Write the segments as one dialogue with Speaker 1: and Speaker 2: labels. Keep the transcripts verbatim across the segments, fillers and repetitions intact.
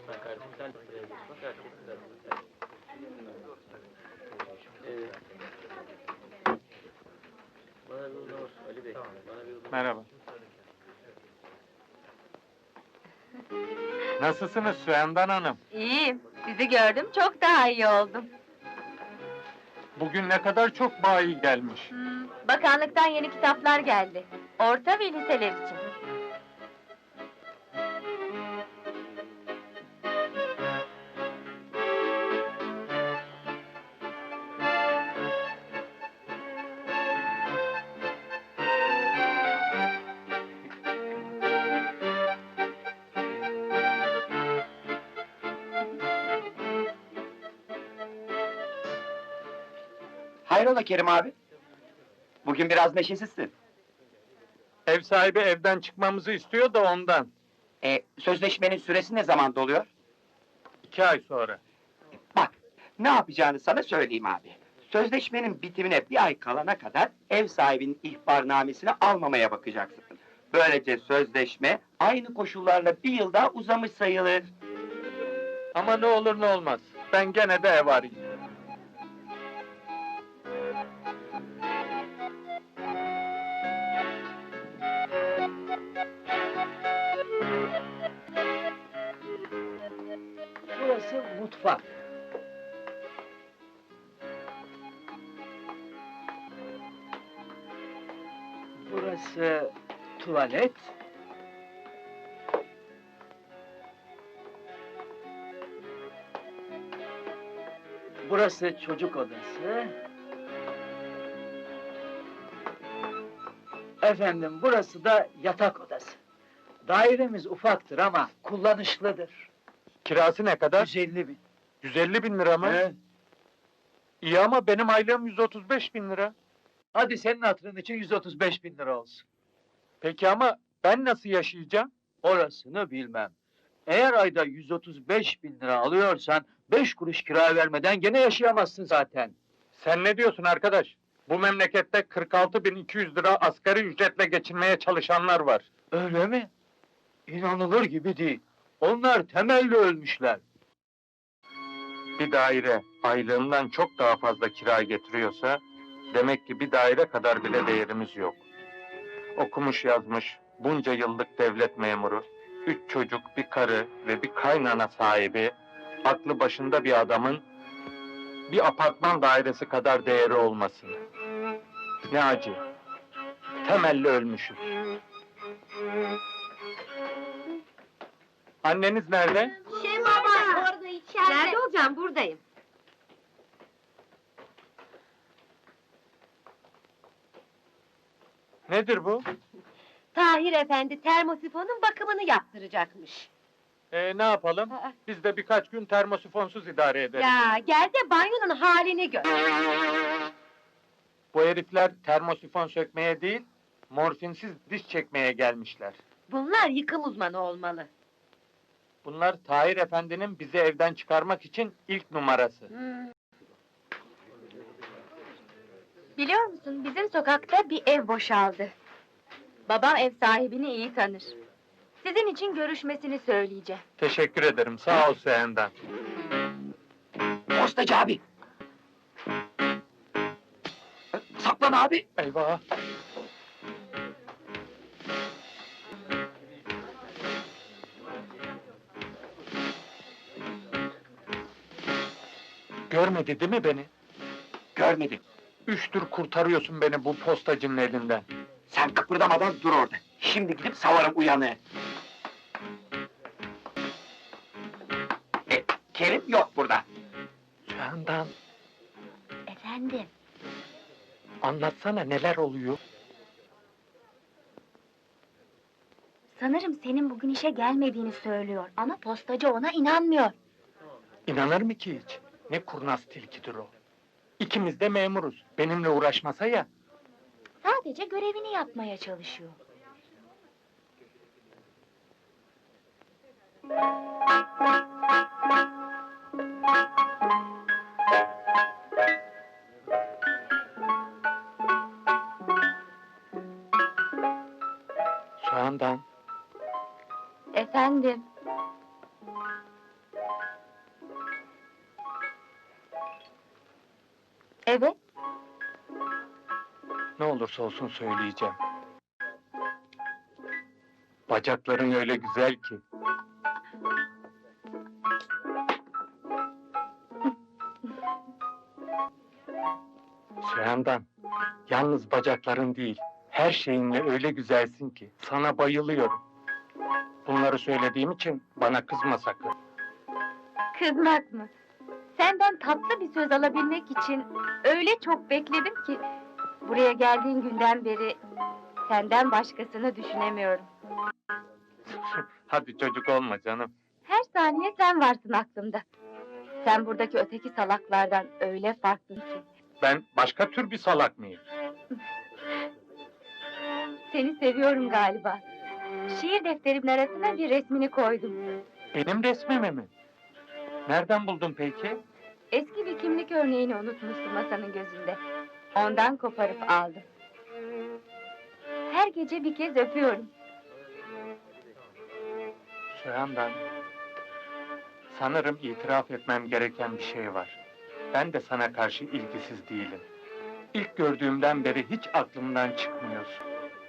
Speaker 1: Merhaba. Nasılsınız Süendan Hanım?
Speaker 2: İyiyim, sizi gördüm, çok daha iyi oldum.
Speaker 1: Bugün ne kadar çok bayi gelmiş.
Speaker 2: Hmm, bakanlıktan yeni kitaplar geldi. Orta ve liseler için.
Speaker 3: Hayrola Kerim abi? Bugün biraz neşesizsin.
Speaker 1: Ev sahibi evden çıkmamızı istiyor da ondan.
Speaker 3: E, sözleşmenin süresi ne zaman doluyor?
Speaker 1: İki ay sonra.
Speaker 3: Bak, ne yapacağını sana söyleyeyim abi. Sözleşmenin bitimine bir ay kalana kadar ev sahibinin ihbarnamesini almamaya bakacaksın. Böylece sözleşme aynı koşullarla bir yıl daha uzamış sayılır.
Speaker 1: Ama ne olur ne olmaz. Ben gene de ev arayayım.
Speaker 3: Burası mutfak. Burası tuvalet. Burası çocuk odası. Efendim, burası da yatak odası. Dairemiz ufaktır ama kullanışlıdır.
Speaker 1: Kirası ne kadar?
Speaker 3: yüz elli bin.
Speaker 1: yüz elli bin lira mı?
Speaker 3: Evet.
Speaker 1: İyi ama benim aylığım yüz otuz beş bin lira.
Speaker 3: Hadi senin hatırın için yüz otuz beş bin lira olsun.
Speaker 1: Peki ama ben nasıl yaşayacağım?
Speaker 3: Orasını bilmem. Eğer ayda yüz otuz beş bin lira alıyorsan, beş kuruş kira vermeden gene yaşayamazsın zaten.
Speaker 1: Sen ne diyorsun arkadaş? Bu memlekette kırk altı bin iki yüz lira asgari ücretle geçinmeye çalışanlar var.
Speaker 3: Öyle mi? İnanılır gibi değil. Onlar temelli ölmüşler.
Speaker 1: Bir daire aylığımdan çok daha fazla kira getiriyorsa, demek ki bir daire kadar bile değerimiz yok. Okumuş yazmış, bunca yıllık devlet memuru, üç çocuk, bir karı ve bir kaynana sahibi, aklı başında bir adamın bir apartman dairesi kadar değeri olması. Ne acı. Temelli ölmüşüz. Anneniz nerede?
Speaker 2: Şey baba, orada içeride. Nerede olacağım? Buradayım.
Speaker 1: Nedir bu?
Speaker 2: Tahir Efendi termosifonun bakımını yaptıracakmış.
Speaker 1: Ee, ne yapalım?
Speaker 2: Aa.
Speaker 1: Biz de birkaç gün termosifonsuz idare ederiz.
Speaker 2: Ya gel de banyonun halini gör.
Speaker 1: Bu herifler termosifon sökmeye değil, morfinsiz diş çekmeye gelmişler.
Speaker 2: Bunlar yıkım uzmanı olmalı.
Speaker 1: Bunlar Tahir Efendi'nin bizi evden çıkarmak için ilk numarası.
Speaker 2: Hmm. Biliyor musun, bizim sokakta bir ev boşaldı. Babam ev sahibini iyi tanır. Sizin için görüşmesini söyleyeceğim.
Speaker 1: Teşekkür ederim, sağ ol Süendan.
Speaker 3: Postacı abi! Saklan abi!
Speaker 1: Eyvah! Görmedi değil mi beni?
Speaker 3: Görmedim.
Speaker 1: Üçtür kurtarıyorsun beni bu postacının elinden.
Speaker 3: Sen kıpırdamadan dur orada. Şimdi gidip savarım uyanığı. E, Kerim yok burada.
Speaker 1: Süendan,
Speaker 2: Efendim?
Speaker 1: anlatsana neler oluyor?
Speaker 2: Sanırım senin bugün işe gelmediğini söylüyor ama postacı ona inanmıyor.
Speaker 1: İnanır mı ki hiç? Ne kurnaz tilkidir o. İkimiz de memuruz. Benimle uğraşmasa ya.
Speaker 2: Sadece görevini yapmaya çalışıyor.
Speaker 1: Süendan,
Speaker 2: Efendim? Evet.
Speaker 1: Ne olursa olsun söyleyeceğim. Bacakların öyle güzel ki. Süyandan, yalnız bacakların değil, her şeyinle öyle güzelsin ki, sana bayılıyorum. Bunları söylediğim için bana kızma sakın.
Speaker 2: Kızmak mı? Senden tatlı bir söz alabilmek için öyle çok bekledim ki... ...buraya geldiğin günden beri senden başkasını düşünemiyorum.
Speaker 1: Hadi çocuk olma canım.
Speaker 2: Her saniye sen varsın aklımda. Sen buradaki öteki salaklardan öyle farklısın ki.
Speaker 1: Ben başka tür bir salak mıyım?
Speaker 2: Seni seviyorum galiba. Şiir defterimin arasına bir resmini koydum.
Speaker 1: Benim resmimi mi? Nereden buldun peki?
Speaker 2: Eski bir kimlik örneğini unutmuştum masanın gözünde. Ondan koparıp aldım. Her gece bir kez öpüyorum.
Speaker 1: Süyandan, sanırım itiraf etmem gereken bir şey var. Ben de sana karşı ilgisiz değilim. İlk gördüğümden beri hiç aklımdan çıkmıyorsun.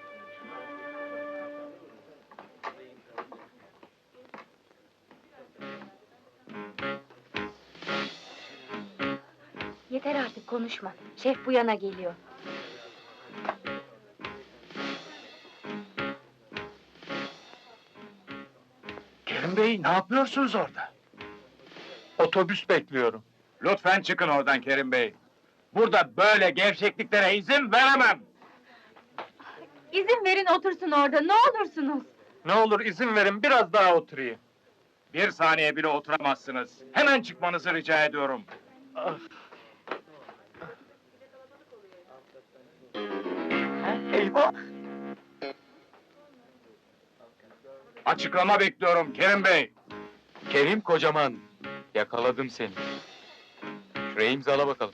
Speaker 2: Yeter artık konuşma. Şef bu yana geliyor.
Speaker 4: Kerim Bey, ne yapıyorsunuz orada?
Speaker 1: Otobüs bekliyorum.
Speaker 4: Lütfen çıkın oradan Kerim Bey. Burada böyle gevşekliklere izin veremem.
Speaker 2: İzin verin otursun orada, ne olursunuz.
Speaker 1: Ne olur izin verin biraz daha oturayım.
Speaker 4: Bir saniye bile oturamazsınız. Hemen çıkmanızı rica ediyorum.
Speaker 1: Ah,
Speaker 3: Eyvah!
Speaker 4: Açıklama bekliyorum Kerim Bey.
Speaker 5: Kerim Kocaman, yakaladım seni. Şuraya imzala bakalım.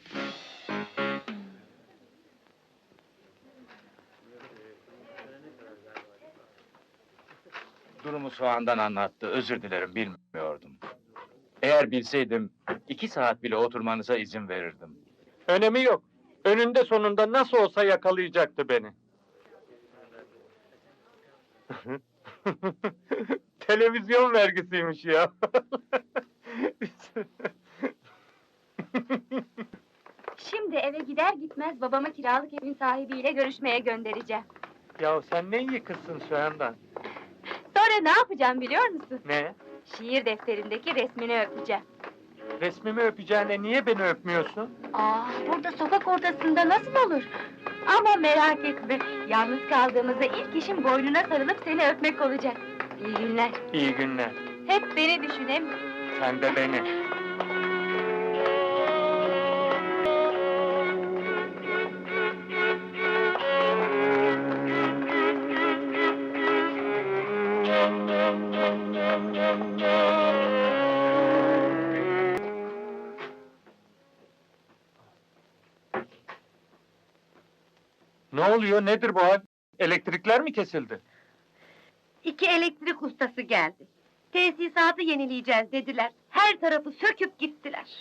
Speaker 4: Durumu soğandan anlattı. Özür dilerim, bilmiyordum. Eğer bilseydim, iki saat bile oturmanıza izin verirdim.
Speaker 1: önemi yok. Önünde sonunda nasıl olsa yakalayacaktı beni. Televizyon vergisiymiş ya.
Speaker 2: Şimdi eve gider gitmez babama kiralık evin sahibiyle görüşmeye göndereceğim.
Speaker 1: Ya sen ne iyi kızsın Süyandan.
Speaker 2: Sonra ne yapacağım biliyor musun?
Speaker 1: Ne?
Speaker 2: Şiir defterindeki resmini öpeceğim.
Speaker 1: Resmimi öpeceğine niye beni öpmüyorsun?
Speaker 2: Aa, burada sokak ortasında nasıl olur? Ama merak etme, yalnız kaldığımızda ilk işim boynuna sarılıp seni öpmek olacak. İyi günler.
Speaker 1: İyi günler.
Speaker 2: Hep beni düşün hem...
Speaker 1: Sen de beni. Ne oluyor, nedir bu hal? Elektrikler mi kesildi?
Speaker 6: İki elektrik ustası geldi. Tesisatı yenileyeceğiz dediler. Her tarafı söküp gittiler.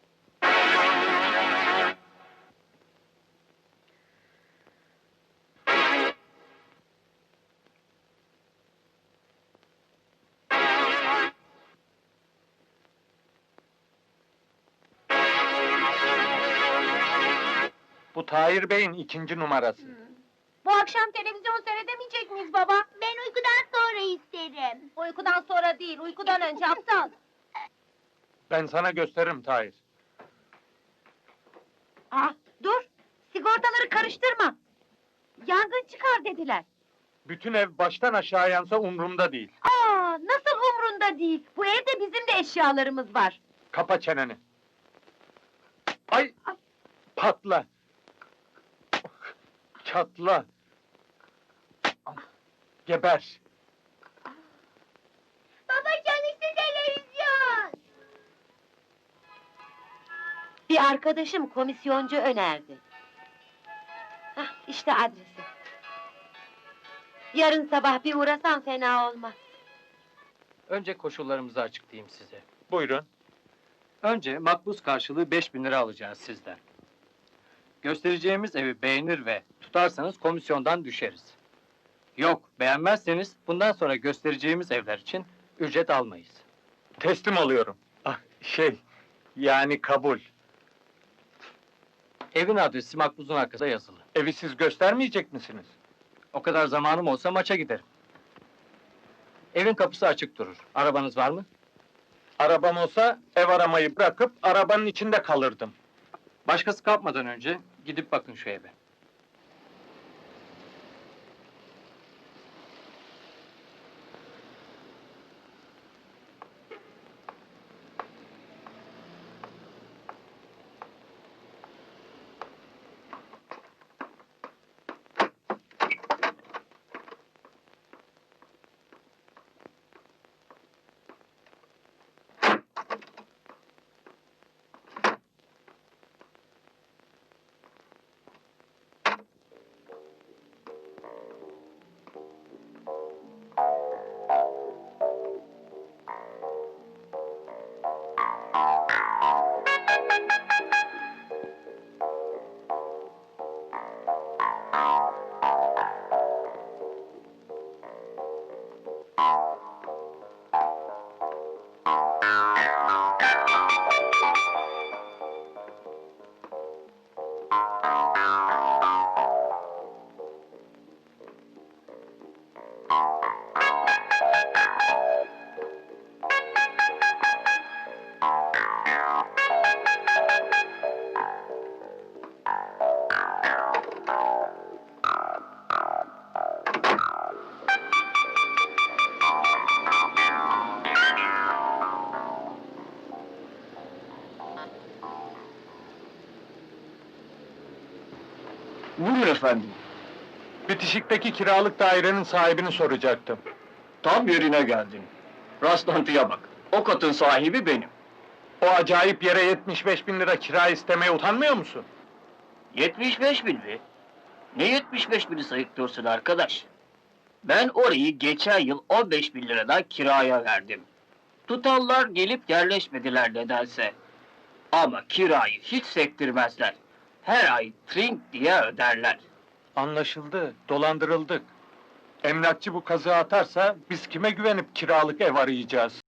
Speaker 1: Bu Tahir Bey'in ikinci numarası.
Speaker 6: Bu akşam televizyon seyredemeyecek miyiz baba? Ben uykudan sonra isterim. Uykudan sonra değil, uykudan önce aptal.
Speaker 1: Ben sana gösteririm Tahir.
Speaker 6: Ah, dur! Sigortaları karıştırma! Yangın çıkar dediler.
Speaker 1: Bütün ev baştan aşağı yansa umrumda değil.
Speaker 6: Aa, nasıl umrunda değil? Bu evde bizim de eşyalarımız var.
Speaker 1: Kapa çeneni. Ay! Patla! Çatla! Geber!
Speaker 6: Baba çalıştı televizyon! Bir arkadaşım komisyoncu önerdi. Hah, işte adresi. Yarın sabah bir uğrasan fena olmaz.
Speaker 5: Önce koşullarımızı açıklayayım size.
Speaker 1: Buyurun.
Speaker 7: Önce makbuz karşılığı beş bin lira alacağız sizden. Göstereceğimiz evi beğenir ve tutarsanız komisyondan düşeriz. Yok, beğenmezseniz bundan sonra göstereceğimiz evler için ücret almayız.
Speaker 1: Teslim alıyorum. Ah, şey, yani kabul.
Speaker 7: Evin adresi makbuzun arkasında yazılı.
Speaker 1: Evi siz göstermeyecek misiniz?
Speaker 7: O kadar zamanım olsa maça giderim. Evin kapısı açık durur. Arabanız var mı?
Speaker 1: Arabam olsa ev aramayı bırakıp arabanın içinde kalırdım.
Speaker 7: Başkası kapmadan önce gidip bakın şu eve.
Speaker 8: Buyurun efendim,
Speaker 1: Bitişikteki kiralık dairenin sahibini soracaktım.
Speaker 8: tam yerine geldin. Rastlantıya bak, o katın sahibi benim.
Speaker 1: O acayip yere yetmiş beş bin lira kira istemeye utanmıyor musun?
Speaker 8: yetmiş beş bin mi? Ne yetmiş beş bini sayıklıyorsun arkadaş? Ben orayı geçen yıl on beş bin liradan kiraya verdim. Tutallar gelip yerleşmediler nedense. Ama kirayı hiç sektirmezler. Her ay trink diye öderler.
Speaker 1: Anlaşıldı, dolandırıldık. Emlakçı bu kazığı atarsa biz kime güvenip kiralık ev arayacağız?